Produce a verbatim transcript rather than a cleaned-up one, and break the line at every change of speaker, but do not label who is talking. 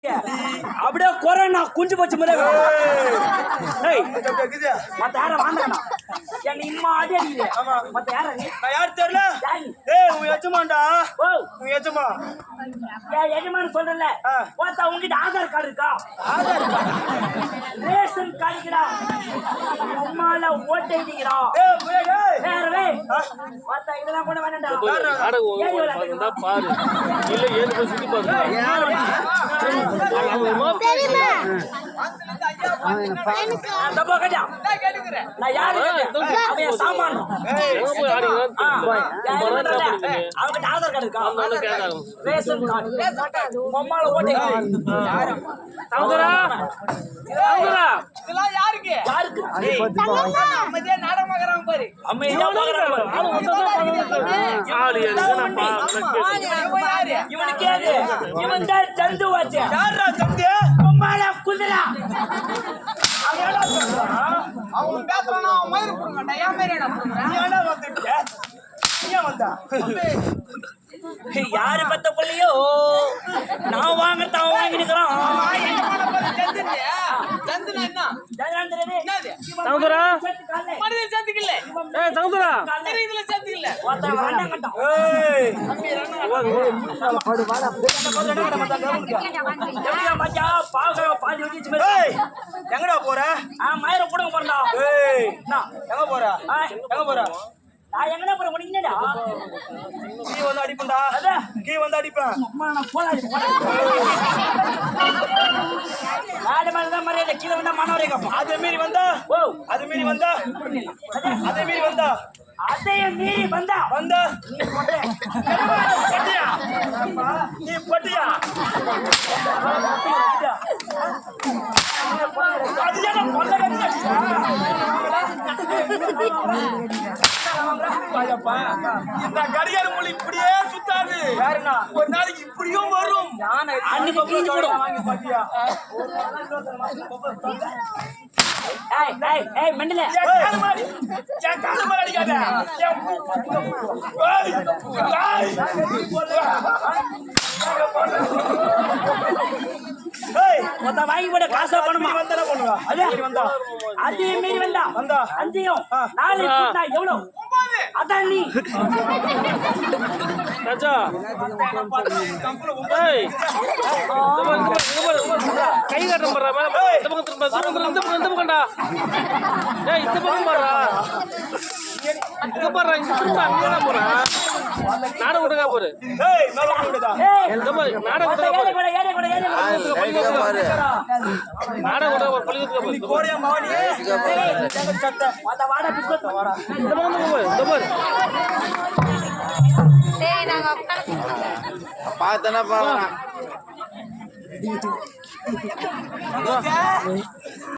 அப்படியே கொரோனா குஞ்சு போச்சு முறை மத்த யார வாங்கண்ணா என் இம்மா அதே மத்த யார
நான் யாரு தெரியல ஏய் உன் எஜமான்டா
ஓ
உன் எஜமா
ஏன் எஜமான் சொல்றல பார்த்தா உங்ககிட்ட ஆதார் கார்டு இருக்கா
ஆதார் கார்டு
ரேஷன் கார்டுடா அம்மால ஓட்டு எழுதிக்கிறா
ஏய் முயலே
வேறவே பார்த்தா இதெல்லாம் கூட வேண்டாம்டா
நாடகம் பாரு இல்ல ஏன் போய் சுத்தி பாரு
தெரியுமா
தப்பா கேட்டா நான் யாரு அவன் சாமான்
போய் ஆடிங்க
அவங்கிட்ட ஆதார் கார்டு இருக்கா ரேஷன் கார்டு அம்மால ஓட்டு
சௌந்தரா சௌந்தரா
இதெல்லாம் யாருக்கு
யாருக்கு
அமைதியா நாடகம் பார்க்கறான் பாரு
அமைதியா பார்க்கறான்
ஆளு வந்தா ஆளு என்னப்பா
யாரு
இவனுக்கு ஏது இவன் தான் சந்து வாச்ச
யாரா சந்தி
அம்மால குதிரா
அவனா சொல்றான் அவன் பேசுறானா அவன் மயிர் புடுங்கடா ஏன் மயிர் என்ன புடுங்கற நீ என்ன வந்துட்ட நீ வந்தா
யாரு பத்த புள்ளையோ நான் வாங்கறத அவன் வாங்கினுக்குறான்
சந்துனா என்ன
ஜானந்திரே
என்னது
சௌந்தரா
மனிதன் சந்துக்கில்ல
ஏய் சௌந்தரா
இதுல சந்துக்கில்ல
வாடா வாடா
ஏய்
படு வாடா எப்படியா மச்சா பாக பாதி வச்சிச்சு மேல
ஏய் எங்கடா போற
ஆ மயிர புடுங்க போறடா
ஏய்
என்ன
எங்க போற எங்க போற
நான் எங்கடா போற உனக்கு என்னடா
கீ வந்து அடிப்பேன்டா
அட
கீ வந்து அடிப்பேன்
அம்மா நான் போலாடி போடா நாடு மேல தான் மரியாதை கீழ வந்தா மனவரே கப்பா
அதே மீறி வந்தா
ஓ
அதே மீறி வந்தா அதே மீறி வந்தா
அதைய மீறி வந்தா
வந்தா
நீ போடே
பட்டியா நீ பட்டியா அது என்ன கொல்ல கட்டியா இந்த கடிகார மொழி இப்படியே சுத்தாது வேறனா ஒரு நாளைக்கு இப்படியும் வரும்
அன்னைக்கு கிழிஞ்சு போடும்
வாங்கி பாத்தியா
ஏய் ஏய் ஏய் மண்டல
கால மாடி என் கால மாடி அடிக்காத ஏய் ஏய்
மொத்த வாங்கி போட காசு பணமா
வந்தா பண்ணுவா
அதே
மீறி வந்தா
அதே மீறி வந்தா
வந்தா
அஞ்சியும் நாலு கூட்டா எவ்வளவு அதான் நீ
ராஜா ஏய் கை காட்டம் பண்றா மேல இந்த பக்கம் திரும்ப இந்த பக்கம் இந்த பக்கம்டா ஏய் இந்த பக்கம் பாறா இங்க பாறா இங்க திரும்ப அங்கடா போறா நாடகம் விடுங்க பாரு
ஏய் மேல போடுடா
ஏய்
இந்த மாதிரி நாடகம் விடுங்க
ஏறி கூட ஏறி கூட ஏறி கூட
நாடகம் விடுங்க பாரு பள்ளிக்கு பாரு
கோரியா மாவனி எங்க சத்த
மொத்த வாடா பிஸ்கட் வாடா
இந்த பக்கம் இந்த பாரு
டேய் நாங்க
பார்த்தனா பாவனா